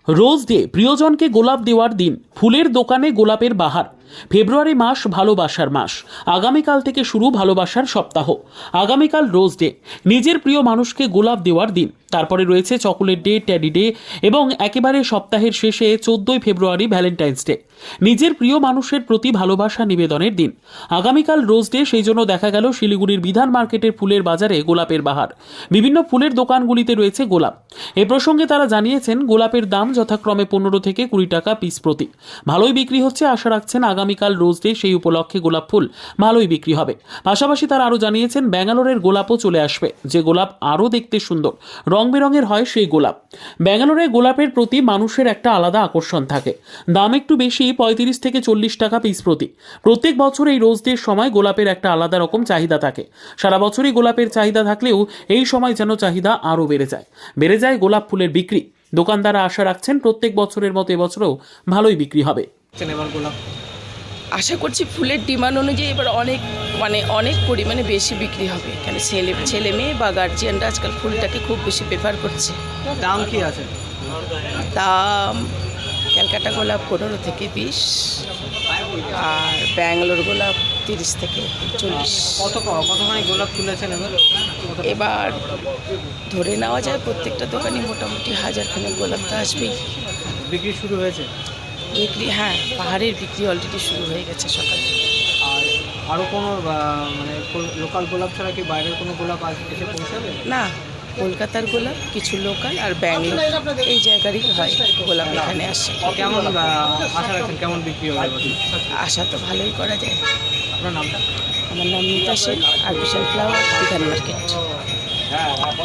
Rose day প্রিয়জনকে গোলাপ দেওয়ার দিন, ফুলের দোকানে গোলাপের বাহার। ফেব্রুয়ারি মাস ভালোবাসার মাস। আগামীকাল থেকে শুরু ভালোবাসার সপ্তাহ। আগামীকাল রোজ ডে, নিজের প্রিয় মানুষকে গোলাপ দেওয়ার দিন। তারপরে রয়েছে চকোলেট ডে, ট্যাডি ডে এবং একেবারে সপ্তাহের শেষে 14ই ফেব্রুয়ারি ভ্যালেন্টাইন্স ডে, নিজের প্রিয় মানুষের প্রতি ভালোবাসা নিবেদনের দিন। আগামীকাল রোজ ডে, সেই জন্য দেখা গেল শিলিগুড়ির বিধান মার্কেটের ফুলের বাজারে গোলাপের বাহার। বিভিন্ন ফুলের দোকানগুলিতে রয়েছে গোলাপ। এ প্রসঙ্গে তারা জানিয়েছেন, গোলাপের দাম যথাক্রমে 15 থেকে 20 টাকা পিস প্রতি। ভালোই বিক্রি হচ্ছে, আশা রাখছেন আগামীকাল রোজ ডে সেই উপলক্ষে গোলাপ ফুল ভালোই বিক্রি হবে। পাশাপাশি তারা আরও জানিয়েছেন, ব্যাঙ্গালোরের গোলাপও চলে আসবে, যে গোলাপ আরও দেখতে সুন্দর, রং বেরঙের হয় সেই গোলাপ। ব্যাঙ্গালোরে গোলাপের প্রতি মানুষের একটা আলাদা আকর্ষণ থাকে। দাম একটু বেশি, 35 থেকে 40 টাকা পিস প্রতি। প্রত্যেক বছর এই রোজ ডের সময় গোলাপের একটা আলাদা রকম চাহিদা থাকে। সারা বছরই গোলাপের চাহিদা থাকলেও এই সময় যেন চাহিদা আরও বেড়ে যায় গোলাপ ফুলের বিক্রি। দোকানদাররা আশা রাখছেন প্রত্যেক বছরের মতো এবছরও ভালোই বিক্রি হবে। আশা করছি ফুলের ডিমান্ড অনুযায়ী এবার অনেক পরিমাণে বেশি বিক্রি হবে। কেন ছেলে মেয়ে বা গার্জিয়ানরা আজকাল ফুলটাকে খুব বেশি প্রেফার করছে। দাম কি আছে? দাম ক্যালকাটা গোলাপ 15 থেকে 20, আর ব্যাঙ্গালোর গোলাপ 30 থেকে 40। কতখানি গোলাপ তুলেছেন এবার ধরে নেওয়া যায় প্রত্যেকটা দোকানে মোটামুটি 1000 খানেক গোলাপ তো আসবেই। বিক্রি শুরু হয়েছে? বিক্রি, হ্যাঁ, পাহাড়ের বিক্রি অলরেডি শুরু হয়ে গেছে সকাল থেকে। আর আরও কোনো লোকাল গোলাপ ছাড়া কি বাইরের কোনো গোলাপ এসে পৌঁছাবে? না, কলকাতার গোলাপ, কিছু লোকাল আর ব্যাঙ্গালোর এই জায়গারই হয় গোলাপ এখানে আসে। কেমন আশা রাখছেন, কেমন বিক্রি হবে? আশা তো ভালোই করা যায়। আপনার নামটা? আমার নাম Mita Sheikh, artificial flower, Bidhan market.